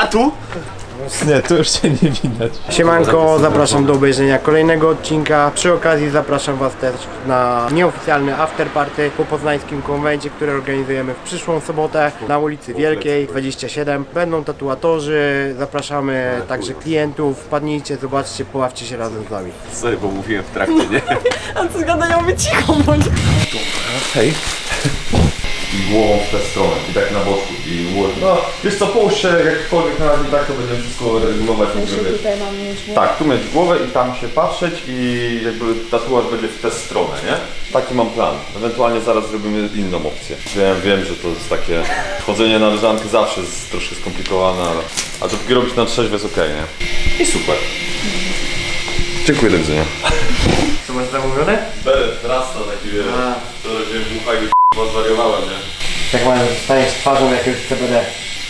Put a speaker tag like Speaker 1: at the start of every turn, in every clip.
Speaker 1: Tu?
Speaker 2: Nie, tu już cię nie widać.
Speaker 3: Siemanko, zapraszam do obejrzenia kolejnego odcinka. Przy okazji zapraszam Was też na nieoficjalny afterparty po poznańskim konwencie, który organizujemy w przyszłą sobotę na ulicy Wielkiej 27. Będą tatuatorzy, zapraszamy także klientów. Wpadnijcie, zobaczcie, poławcie się razem z nami.
Speaker 1: Sorry, bo mówiłem w trakcie, nie?
Speaker 4: A co gadają, wy cicho bądź.
Speaker 1: Hej. I głową w tę stronę, i tak na boczku, i no, wiesz co, połóż się jakkolwiek na razie, tak to będziemy wszystko regulować.
Speaker 4: Tutaj mam mieć, nie?
Speaker 1: Tak, tu mieć głowę i tam się patrzeć i jakby tatuaż będzie w tę stronę, nie? Taki mam plan. Ewentualnie zaraz zrobimy inną opcję. Wiem, że to jest takie chodzenie na leżankę zawsze jest troszkę skomplikowane, ale dopóki robić na trzeźwo jest okej, nie? I super. Dziękuję, do widzenia.
Speaker 3: Co masz zamówione?
Speaker 1: Beret, rasta taki wiele. Wczoraj wziąłem bucha i już zwariowałem, nie?
Speaker 3: Jak mają zostaniesz twarzą jakiegoś CBD.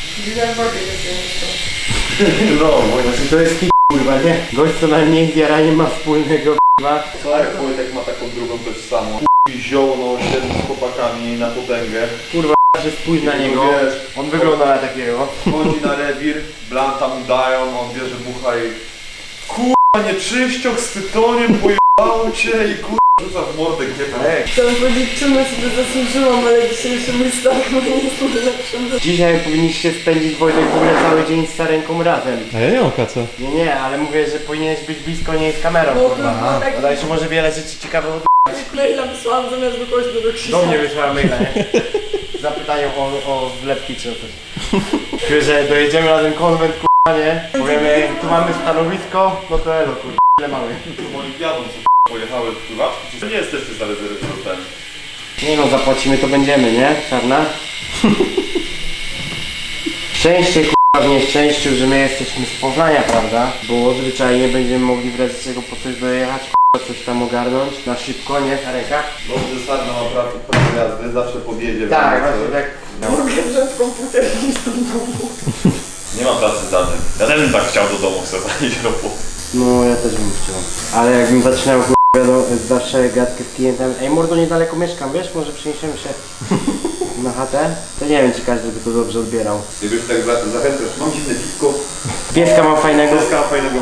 Speaker 1: No,
Speaker 3: To jest kurwa, nie? Gość co najmniej z jaraniem ma wspólnego kurwa.
Speaker 1: tak, Wojtek ma taką drugą też samą. I ziołno, siedem z chłopakami na potęgę.
Speaker 3: Że spójrz na niego,
Speaker 1: Wiesz,
Speaker 3: on wygląda na takiego.
Speaker 1: chodzi na rewir, blanta mu dają, on bierze bucha i... Kurwa, nie czyścioch z tytoniem, pojebało cię i kurwa rzuca w mordę kiepę.
Speaker 4: Chciałam powiedzieć, czym ja sobie zasłużyłam, ale dzisiejszy mój stan nie jest najlepszym.
Speaker 3: Dzisiaj powinniście spędzić, Wojtek, w ogóle cały dzień z Sarenką razem.
Speaker 2: A ja nie mam kaca.
Speaker 3: Nie, ale mówię, że powinieneś być blisko niej z kamerą,
Speaker 4: No,
Speaker 3: kurwa.
Speaker 4: no, tak.
Speaker 3: Dodaj się może wiele rzeczy ciekawych od...
Speaker 4: Maila wysłałam zamiast do kogoś do Krzysia.
Speaker 3: Do mnie wysłała maila, nie? Zapytanie o wlepki czy coś. Czuję, że dojedziemy na ten konwent, kurwa, nie? Powiemy, tu mamy stanowisko, no to elo, kurwa, ile mamy.
Speaker 1: Olimpiadą co pojechały pływaczki, czy nie jesteście za rezerwą?
Speaker 3: Nie no, zapłacimy to będziemy, nie? Czarna? Szczęście, kurwa, w nieszczęściu, że my jesteśmy z Poznania, prawda? Bo zwyczajnie będziemy mogli w razie czego po coś dojechać, kurwa, coś tam ogarnąć na szybko, nie? Sarenka?
Speaker 1: Dobrze, Sarna ma prawo jazdy, zawsze podjedzie.
Speaker 3: Tak, właśnie tak.
Speaker 4: Mogę wziąć komputer i iść do domu.
Speaker 1: Nie ma pracy zdalnej. Ja też bym tak chciał do domu chcę zanieść ropu.
Speaker 3: No, ja też bym chciał. Ale jakbym zaczynał, kurwa, zawsze gadkę z klientem. Ej, mordo, niedaleko mieszkam, wiesz? Może przeniesiemy się na chatę? To nie wiem, czy każdy by to dobrze odbierał.
Speaker 1: Gdybyś tak zachęcasz, mam zimne piwko.
Speaker 3: Pieska mam fajnego.
Speaker 1: Pieska fajnego.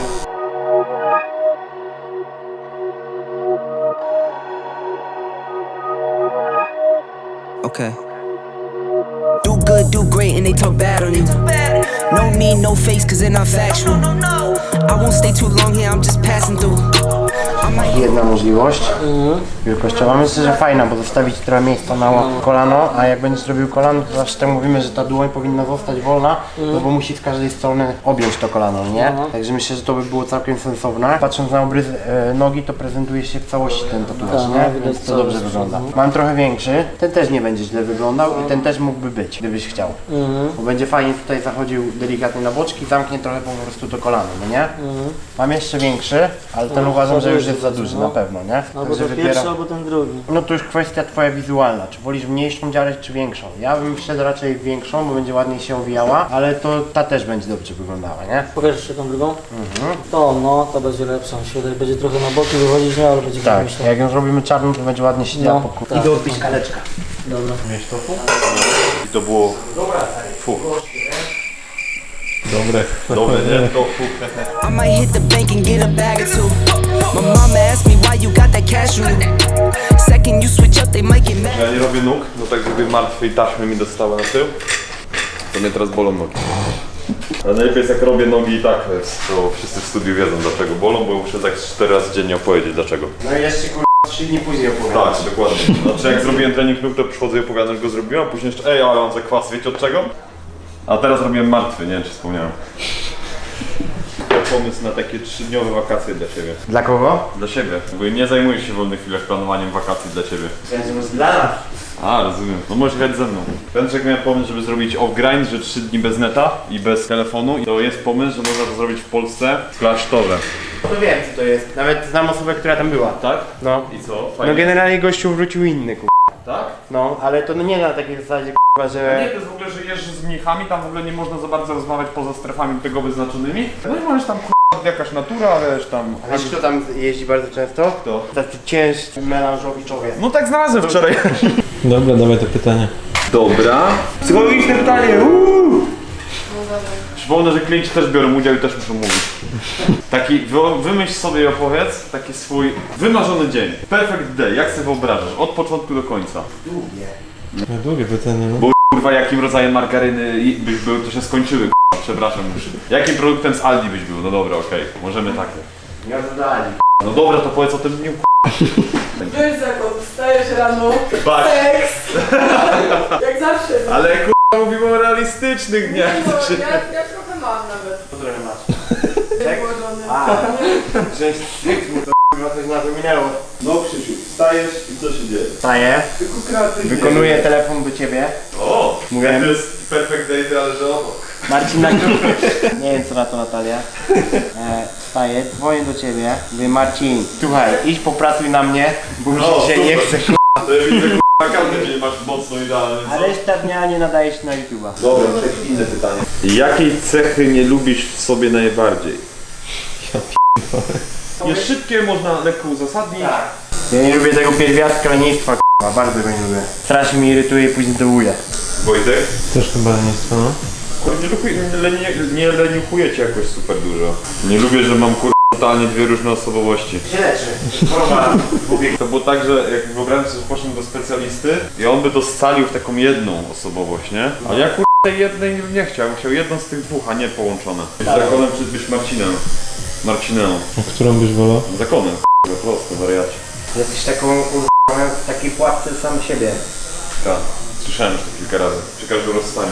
Speaker 5: Okay. Do good, do great, and they talk bad on you. No need, no face, cause they're not factual. I won't stay too long here, I'm just passing through.
Speaker 3: Jedna możliwość wielkościowa. Myślę, że fajna, bo zostawić trochę miejsca na kolano, a jak będziesz robił kolano, to zawsze tak mówimy, że ta dłoń powinna zostać wolna, no bo musi z każdej strony objąć to kolano, nie? Także myślę, że to by było całkiem sensowne. Patrząc na obrys nogi, to prezentuje się w całości ten tatuaż, nie? Więc to dobrze wygląda. Mam trochę większy, ten też nie będzie źle wyglądał i ten też mógłby być, gdybyś chciał. Bo będzie fajnie tutaj zachodził delikatnie na boczki, zamknie trochę po prostu to kolano, no nie? Mam jeszcze większy, ale ten uważam, że już jest za duży na pewno, nie?
Speaker 6: Albo ten pierwszy, albo ten drugi.
Speaker 3: No to już kwestia twoja wizualna, czy wolisz mniejszą dziarę, czy większą. Ja bym szedł raczej w większą, bo będzie ładniej się owijała, ale to ta też będzie dobrze wyglądała, nie?
Speaker 6: Pokaż jeszcze tą drugą? To będzie lepsza. Mi się wydaje, będzie trochę na boki wychodzić, nie? Ale będzie
Speaker 3: Tak,
Speaker 6: myślę.
Speaker 3: jak ją zrobimy czarną, to będzie ładnie siedziała
Speaker 6: No,
Speaker 3: po
Speaker 6: tak.
Speaker 3: Idę odbić kaleczka.
Speaker 6: Dobra.
Speaker 1: I to było...
Speaker 3: Dobra,
Speaker 2: Dobre.
Speaker 1: Dobre, nie? To
Speaker 5: I might hit the bank and get a bag or two. My mama asked me why you got that cash on you. Second you switch up, they might get mad.
Speaker 1: Ja nie robię nóg, no tak żeby martwej taśmy mi dostały na tył. To mnie teraz bolą nogi. Ale najlepiej jest jak robię nogi i tak jest, to wszyscy w studiu wiedzą dlaczego bolą, bo muszę tak 4 razy dziennie opowiedzieć dlaczego.
Speaker 3: No i jeszcze kurwa 3 dni później opowiadam.
Speaker 1: Tak, dokładnie. Znaczy jak zrobiłem trening nóg, to przychodzę i opowiadam, że go zrobiłem, a później jeszcze ale mam za kwas, wiecie od czego? A teraz robiłem martwy, nie wiem czy wspomniałem. Pomysł na takie 3-dniowe wakacje dla Ciebie.
Speaker 3: Dla kogo?
Speaker 1: Dla siebie, bo nie zajmujesz się w wolnych chwilach planowaniem wakacji dla Ciebie.
Speaker 3: Myślałem, że dla nas.
Speaker 1: A, rozumiem. No możesz jechać ze mną. Pęczek miał pomysł, żeby zrobić off-grind, że 3 dni bez neta i bez telefonu. I to jest pomysł, że można to zrobić w Polsce klasztorze.
Speaker 3: To wiem co to jest. Nawet znam osobę, która tam była.
Speaker 1: Tak?
Speaker 3: No.
Speaker 1: I co? Fajnie.
Speaker 3: No generalnie gościu wrócił inny,
Speaker 1: Tak?
Speaker 3: No, ale to nie na takiej zasadzie, że...
Speaker 1: Nie, to jest w ogóle, że jeżdżę z mnichami, tam w ogóle nie można za bardzo rozmawiać poza strefami tego wyznaczonymi. No i możesz tam jakaś natura, wiesz tam...
Speaker 3: Wiesz kto tam jeździ bardzo często?
Speaker 1: Kto?
Speaker 3: Tacy ciężcy melanżowiczowie.
Speaker 1: No tak znalazłem wczoraj.
Speaker 2: Dobra, dawaj to pytanie.
Speaker 1: Dobra. Psychologiczne pytanie, Przypomnę, że klienci też biorą udział i też muszą mówić. Taki, wymyśl sobie i opowiedz taki swój wymarzony dzień. Perfect day, jak sobie wyobrażasz? Od początku do końca.
Speaker 2: No długie pytanie, no.
Speaker 1: Bo kurwa, jakim rodzajem margaryny byś był, to się skończyły, kurwa, przepraszam już. Jakim produktem z Aldi byś był? No dobra, okej, możemy takie.
Speaker 3: Ja dodali.
Speaker 1: No dobra, to powiedz o tym dniu,
Speaker 4: Wiesz zakon, wstajesz rano,
Speaker 1: Patrz.
Speaker 4: seks. Jak zawsze.
Speaker 1: ale kurwa, mówimy o realistycznych dniach.
Speaker 4: No, ja trochę mam nawet.
Speaker 3: Co trochę masz?
Speaker 4: Zgłodzony.
Speaker 3: Że mu to chyba coś na to minęło.
Speaker 1: No Krzysiu, wstajesz i co się dzieje?
Speaker 3: Wstaję, wykonuję telefon do ciebie.
Speaker 1: O!
Speaker 3: Mówiłem.
Speaker 1: To jest perfect day, ale że obok.
Speaker 3: Marcin na Nie wiem co na to Natalia. Wstaję, dzwonię do ciebie. Mówię Marcin, słuchaj, idź popracuj na mnie, bo już
Speaker 1: O,
Speaker 3: dzisiaj nie
Speaker 1: super.
Speaker 3: chcę.
Speaker 1: To ja widzę, kurwa, każdy dzień masz mocno idealny.
Speaker 3: A reszta dnia nie nadaje się na YouTube'a.
Speaker 1: Dobra, inne pytanie. Jakiej cechy nie lubisz w sobie najbardziej? Jest szybkie, można lekko uzasadnić.
Speaker 3: Ja nie lubię tego pierwiastka lenistwa, k***a, bardzo go nie lubię. Strasznie mnie irytuje i później dołuje.
Speaker 1: Wojtek?
Speaker 2: Też chyba lenistwo, no.
Speaker 1: Nie leniuchujecie jakoś super dużo. Nie lubię, że mam kurwa totalnie dwie różne osobowości.
Speaker 3: Się leczy. Choroba.
Speaker 1: To było tak, że jak wyobrażam sobie, że poszedłem do specjalisty i on by to scalił w taką jedną osobowość, nie? A ja kurwa tej jednej nie chciał, chciał jedną z tych dwóch, a nie połączone. Zakonem czy być Marcinem. Marcinem.
Speaker 2: A którą byś wolał?
Speaker 1: Zakonem, kurwa, prosto, wariacie.
Speaker 3: Jesteś taką w takiej pułapce sam siebie.
Speaker 1: Tak, słyszałem już to kilka razy, przy każdym rozstaniu.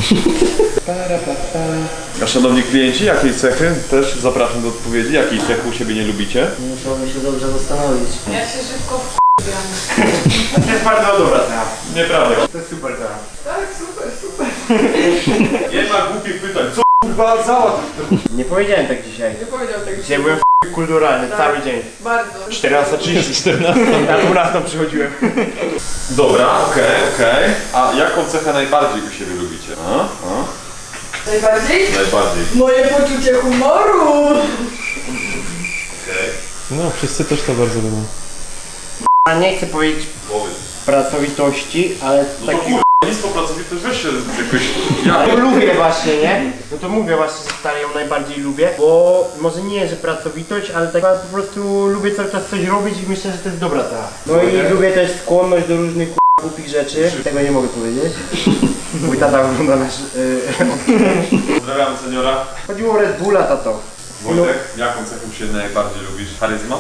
Speaker 1: A szanowni klienci, jakiej cechy? Też zapraszam do odpowiedzi. Jakiej cechy u siebie nie lubicie?
Speaker 6: Musiałbym się dobrze zastanowić.
Speaker 4: Ja się szybko
Speaker 3: To jest bardzo dobra cena.
Speaker 1: Nieprawda.
Speaker 3: To jest super cena.
Speaker 4: Tak, super, super.
Speaker 1: Nie ma głupich pytań. Co kurwa załatw?
Speaker 3: Nie powiedziałem tak dzisiaj.
Speaker 4: Nie powiedział tego.
Speaker 3: Dzisiaj byłem kulturalny cały dzień.
Speaker 4: Bardzo.
Speaker 3: 14:30. Na 12 przychodziłem.
Speaker 1: Dobra, okej. A jaką cechę najbardziej u siebie lubicie?
Speaker 4: Najbardziej?
Speaker 1: Najbardziej.
Speaker 4: Moje poczucie humoru.
Speaker 2: No, wszyscy też to bardzo lubią.
Speaker 3: A nie chcę powiedzieć
Speaker 1: Powiedz.
Speaker 3: pracowitości, ale
Speaker 1: No to
Speaker 3: taki...
Speaker 1: kurwa, nic po pracowitość weź się jakoś... Ja
Speaker 3: To lubię właśnie, nie? No to mówię właśnie, że stary ją najbardziej lubię, bo może nie, że pracowitość, ale tak po prostu lubię cały czas coś robić i myślę, że to jest dobra cena. No i lubię też skłonność do różnych głupich rzeczy. Tego nie mogę powiedzieć. Mój tata ogląda nasz...
Speaker 1: Pozdrawiam seniora.
Speaker 3: Chodziło o Red Bulla, tato.
Speaker 1: Wojtek, jaką cechę u siebie najbardziej lubisz? Charyzma?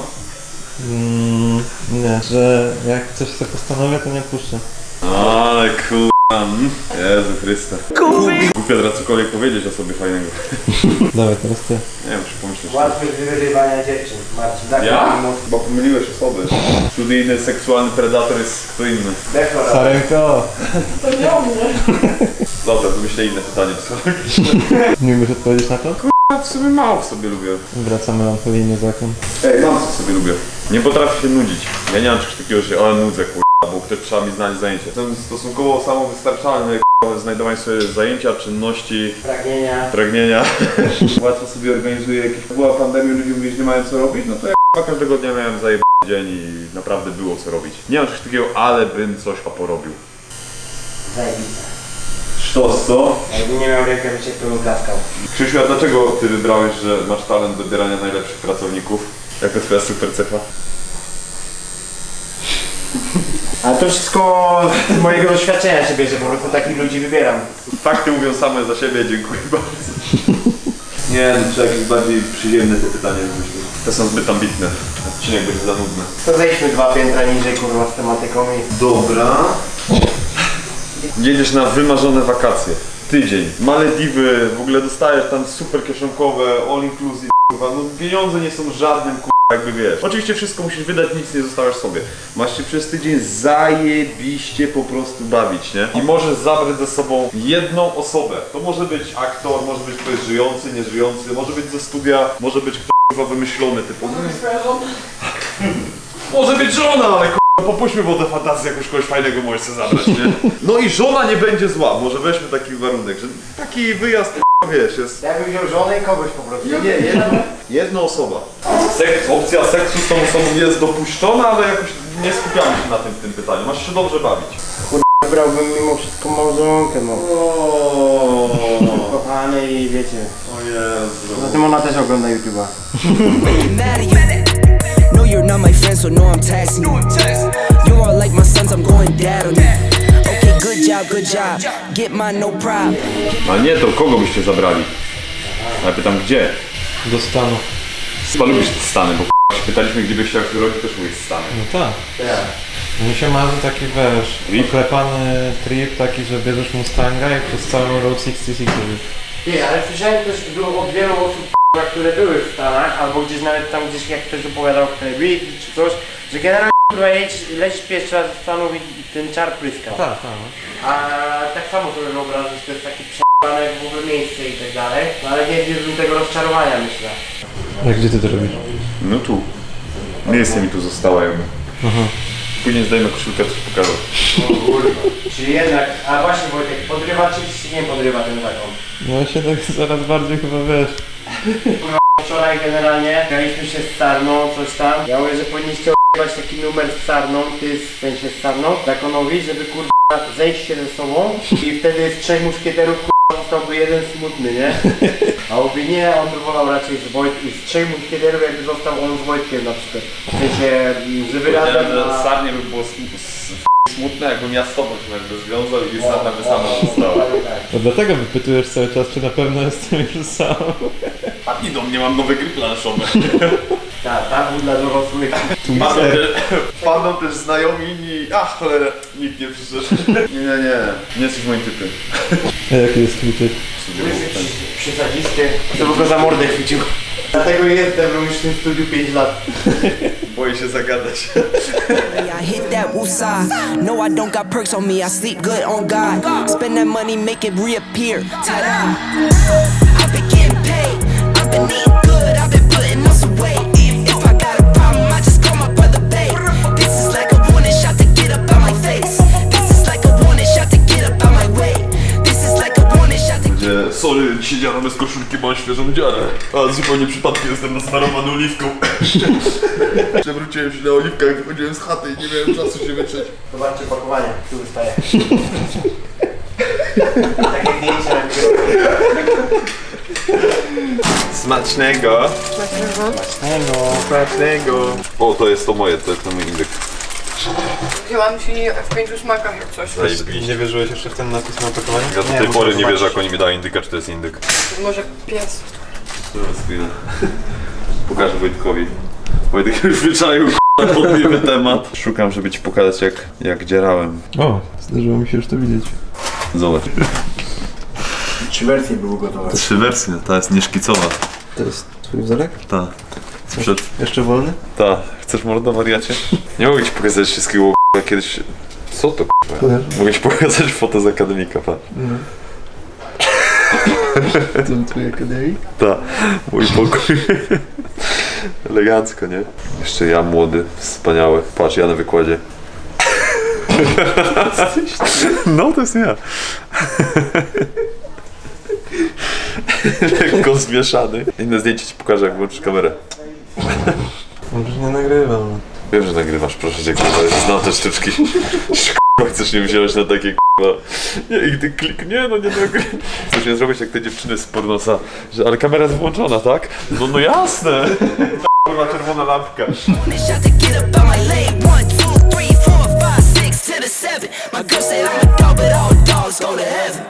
Speaker 2: Nie, że jak coś sobie postanowię, to nie odpuszczę.
Speaker 1: Ale kurwa. Jezu Chryste. Głupio teraz cokolwiek powiedzieć o sobie fajnego.
Speaker 2: Dawaj, teraz ty.
Speaker 1: Nie wiem, czy pomyślisz.
Speaker 3: Łatwość wyrywania dziewczyn, Marcin. Tak,
Speaker 1: Ja? Chyba pomyliłeś osoby. Studyjny, seksualny predator jest kto inny.
Speaker 3: Dekora.
Speaker 2: Sarenko!
Speaker 4: To nie o mnie.
Speaker 1: Dobra, wymyślę inne pytanie.
Speaker 2: Nie umiesz odpowiedzieć na to?
Speaker 1: W sumie mało w sobie lubię.
Speaker 2: Wraca melancholijny zakon.
Speaker 1: Ej, mam co w sobie lubię. Nie potrafię się nudzić. Ja nie mam czegoś takiego, że ale nudzę kurwa, bo ktoś trzeba mi znaleźć zajęcie. Jestem stosunkowo samowystarczalny w znajdowaniu sobie zajęcia, czynności, pragnienia. Łatwo sobie organizuję jakieś... Była pandemia, ludzie mówili, że nie mają co robić, no to ja każdego dnia miałem zajebany dzień i naprawdę było co robić. Nie mam czegoś takiego, ale bym coś porobił.
Speaker 3: Zajebiste.
Speaker 1: Sztos, co?
Speaker 3: Jakbym nie miał rękawiczek, to bym klaskał.
Speaker 1: Krzysiu, a dlaczego ty wybrałeś, że masz talent do wybierania najlepszych pracowników? Jaka twoja super cecha?
Speaker 3: Ale to wszystko z mojego doświadczenia się bierze, po prostu takich ludzi wybieram.
Speaker 1: Fakty mówią same za siebie, dziękuję bardzo. Nie, no trzeba jakieś bardziej przyziemne te pytania wymyślić. Te są zbyt ambitne. Odcinek będzie za nudny.
Speaker 3: To zejdźmy 2 piętra niżej, kurwa, z tematyką i...
Speaker 1: Dobra. Jedziesz na wymarzone wakacje. Tydzień. Malediwy, w ogóle dostajesz tam super kieszonkowe, all inclusive, kurwa. No pieniądze nie są żadnym kurwa, jakby wiesz. Oczywiście wszystko musisz wydać, nic nie zostawiasz sobie. Masz się przez tydzień zajebiście po prostu bawić, nie? I możesz zabrać ze sobą jedną osobę. To może być aktor, może być ktoś żyjący, nieżyjący, może być ze studia, może być ktoś kurwa wymyślony typu. Może być żona, ale popuśćmy wodę fantazji, jakoś kogoś fajnego możesz sobie zabrać, nie? No i żona nie będzie zła, może weźmy taki warunek, że taki wyjazd, wiesz, jest...
Speaker 3: Ja bym wziął żonę i kogoś po prostu.
Speaker 1: Nie, jedna osoba. Opcja seksu z tą osobą jest dopuszczona, ale jakoś nie skupiamy się na tym w tym pytaniu, masz się dobrze bawić.
Speaker 3: Brałbym mimo wszystko małżonkę, no. Kochany i wiecie.
Speaker 1: O Jezu.
Speaker 3: Zatem ona też ogląda YouTube'a.
Speaker 5: mad at you. No, you're not my friend, so no, I'm taxing you. You all like my sons, I'm going dad on you. Okay, good job. Get mine, no problem.
Speaker 1: Ale nie, to kogo byście zabrali? Ja pytam gdzie?
Speaker 2: Do Stanu.
Speaker 1: Chyba lubisz te Stany, bo pytaliśmy gdzie byś chciał się urodzić, też mówisz Stany.
Speaker 2: No tak. Mi się marzy taki, wiesz,
Speaker 1: Trip?
Speaker 2: oklepany trip taki, że bierzesz Mustanga i przez całą Road 66 robisz.
Speaker 3: Nie, ale słyszałem też od wielu osób, które były w Stanach, albo gdzieś nawet tam gdzieś jak ktoś opowiadał w telewizji czy coś, że generalnie lecisz pierwszy raz do Stanów i ten czar pryskał.
Speaker 2: Tak.
Speaker 3: A tak samo sobie wyobrażam, że to jest takie prze***ane w ogóle miejsce i tak dalej, no ale nie wiem tego rozczarowania, myślę.
Speaker 2: A gdzie ty to robisz?
Speaker 1: No tu. Miejsce mi tu zostało jakby. Później zdejmę koszulkę, coś pokażę.
Speaker 3: O kurwa. Czyli jednak, a właśnie Wojtek, podrywa czy nie podrywa ten zakon?
Speaker 2: No ja się tak zaraz bardziej chyba, wiesz.
Speaker 3: Wczoraj generalnie graliśmy się z Sarną, coś tam. Ja mówię, że powinniście o***ać taki numer z Sarną, ty w sensie z Sarną, zakonowi, żeby kurwa zejść się ze sobą i wtedy z 3 muszkieterów kurwa zostałby jeden smutny, nie? A mówi nie, on by wolał raczej z 3 muszkieterów jakby został on z Wojtkiem na przykład. W sensie, żeby razem na...
Speaker 1: Sarnie by było smutne, jakbym ja z tobą się jakby związał i Sarna by sama została.
Speaker 2: To dlatego wypytujesz cały czas, czy na pewno jestem już sam.
Speaker 1: A idą, nie mam nowe gry planszowe.
Speaker 3: Tak, był dla dorosłych.
Speaker 1: Padną też znajomi i... Ach cholera, nikt nie przyszedł. Nie jesteś moim typem.
Speaker 2: A jaki jest twój typ?
Speaker 3: Przysadzisty, to by go za mordę chwycił. Dlatego jestem, bo już w tym studiu 5 lat.
Speaker 1: Boję się zagadać.
Speaker 5: I hit that woosah. No, I don't got perks on me. I sleep good on God. Spend that money, make it reappear. Ta-da! I've been getting paid. I've been eating good. I've been putting on some weight. If I got a problem, I just call my brother babe. This is like a warning shot to get up out my face. This is like a warning shot to get up out my way. This is like a warning shot to
Speaker 1: Gdzie, sorry, siedziałem bez koszulki, bo mam świeżą dziarę. A zupełnie przypadkiem jestem nasmarowany oliwką. Przewróciłem się na oliwkach, wychodziłem z chaty i nie miałem czasu się wytrzeć.
Speaker 3: Zobaczcie pakowanie, tu wystaje. Takie zdjęcia.
Speaker 1: Smacznego. Smacznego. O, to jest to moje, to jest mój indyk.
Speaker 4: Wzięłam ci w 5 smakach jak coś.
Speaker 1: Zajebiście.
Speaker 2: Nie wierzyłeś jeszcze w ten napis na opakowaniu?
Speaker 1: Ja do tej pory nie wierzę, jak oni mi dają indyka, czy to jest indyk.
Speaker 4: Może pies.
Speaker 1: Teraz chwilę. Pokażę Wojtkowi. Wojtek już wyczaił podliwy temat. Szukam, żeby ci pokazać jak dzierałem.
Speaker 2: O, zdarzyło mi się już to widzieć.
Speaker 1: Zobacz.
Speaker 3: 3 wersje były gotowe.
Speaker 1: 3 wersje, ta jest nieszkicowa.
Speaker 2: To jest twój wzorek?
Speaker 1: Ta. Przed...
Speaker 2: Jeszcze wolny?
Speaker 1: Ta. Chcesz mordo wariacie? Nie mogę ci pokazać wszystkiego kiedyś... Co to k***a? Mogę ci pokazać fotę z akademika, patrz.
Speaker 2: To twój akademik?
Speaker 1: Ta. Mój pokój. Elegancko, nie? Jeszcze ja młody, wspaniały. Patrz, ja na wykładzie. No, to jest ja. Lekko zmieszany. Inne zdjęcie ci pokażę, jak włączysz kamerę.
Speaker 2: Może nie nagrywam.
Speaker 1: Wiem, że nagrywasz, proszę cię, kurwa, znam te sztuczki. Kurwa, chcesz mnie wziąć na takie kurwa. Nie, i ty klik, nie nagrywam. Chcesz mnie zrobić jak te dziewczyny z pornosa, że ale kamera jest włączona, tak? No jasne. Kurwa, czerwona lampka.
Speaker 5: warning shot to get up out my lane. 1, 2, 3, 4, 5, 6 to the 7. My girl said I'm a dog, but all dogs go to heaven.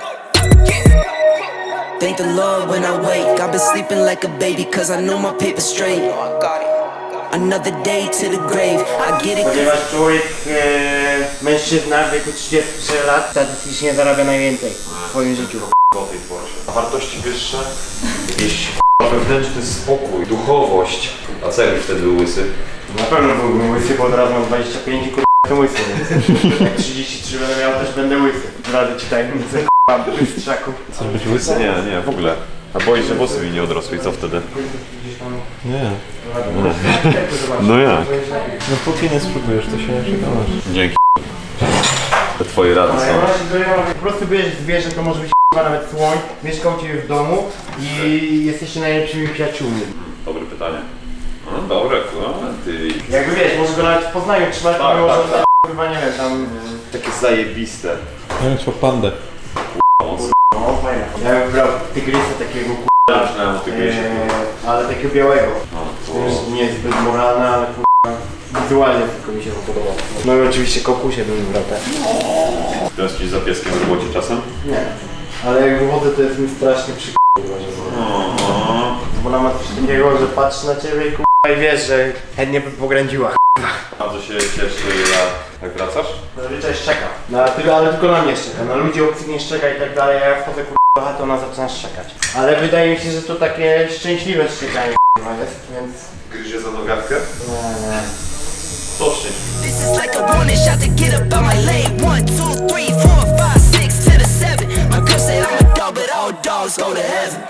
Speaker 5: Thank the Lord when I wake. I've been sleeping like a baby, cause I know my paper straight. Another day to the grave. I get it.
Speaker 3: Ponieważ człowiek, mężczyzna w wieku 33 lat statystycznie zarabia najwięcej w swoim życiu.
Speaker 1: A wartości wyższe? Jakieś wewnętrzny spokój, duchowość. A co jakbyś wtedy był łysy?
Speaker 3: Na pewno byłbym łysy, bo od razu mam 25 i jestem łysy, więc jak 33 będę miał, też będę łysy. Zdradzę ci tajemnicę, bystrzaku.
Speaker 2: Chcesz być łysy?
Speaker 1: Nie, w ogóle. A boisz, że włosy mi nie odrosły i co wtedy?
Speaker 2: Nie.
Speaker 1: No jak?
Speaker 2: No póki nie spróbujesz, to się nie przekonasz.
Speaker 1: Dzięki. Te twoje rady są.
Speaker 3: Po prostu bierzesz zwierzę, to może być nawet słoń, mieszkał u ciebie w domu i jesteście najlepszymi przyjaciółmi.
Speaker 1: Dobre pytanie. No dobre, ty.
Speaker 3: Jakby wiesz, może go nawet w Poznaniu trzymać,
Speaker 1: Tak,
Speaker 3: pomimo,
Speaker 1: tak,
Speaker 3: że Chyba nie wiem, tam...
Speaker 1: Takie zajebiste.
Speaker 2: Ja bym chciał pandę.
Speaker 3: No fajne. Ja bym wybrał tygrysa takiego
Speaker 1: Myślałem o tygrysie.
Speaker 3: ale takiego białego. Nie jest zbyt moralne, ale wizualnie tylko mi się to podobało. No i oczywiście kokusie bym wybrał te.
Speaker 1: Tęsknisz za pieskiem w robocie czasem?
Speaker 3: Nie. Ale jak wychodzę, to jest mi strasznie bo ona ma coś takiego, że patrzy na ciebie i wiesz, że chętnie by pogrędziła.
Speaker 1: Bardzo się cieszę, jak wracasz.
Speaker 3: Zazwyczaj szczeka. No, ale tylko na mnie szczeka. Na ludzi obcych nie szczeka i tak dalej, a ja wchodzę do chaty, ona zaczyna szczekać. Ale wydaje mi się, że to takie szczęśliwe szczekanie jest, więc...
Speaker 1: Gryzie za nogawkę?
Speaker 3: Nie.
Speaker 1: To szczęście.
Speaker 5: This is like a warning shot to get up out my lane. 1, 2, 3, 4, 5, 6 to the 7. My girl said I'm a dog, but all dogs go to heaven.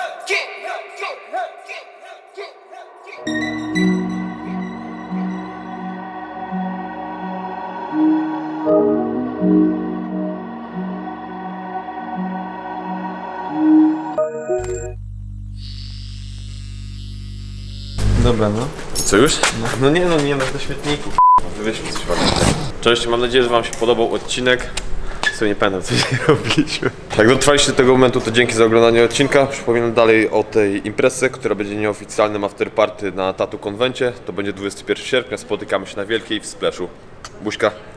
Speaker 2: Dobra, no.
Speaker 1: Co już? No nie do śmietniku. Wywieźmy coś ładnego. Cześć, mam nadzieję, że wam się podobał odcinek. Co nie pamiętam, co dzisiaj robiliśmy. Jak dotrwaliście do tego momentu, to dzięki za oglądanie odcinka. Przypominam dalej o tej imprezie, która będzie nieoficjalnym afterparty na Tattoo Konwencie. To będzie 21 sierpnia, spotykamy się na Wielkiej w Splashu. Buźka.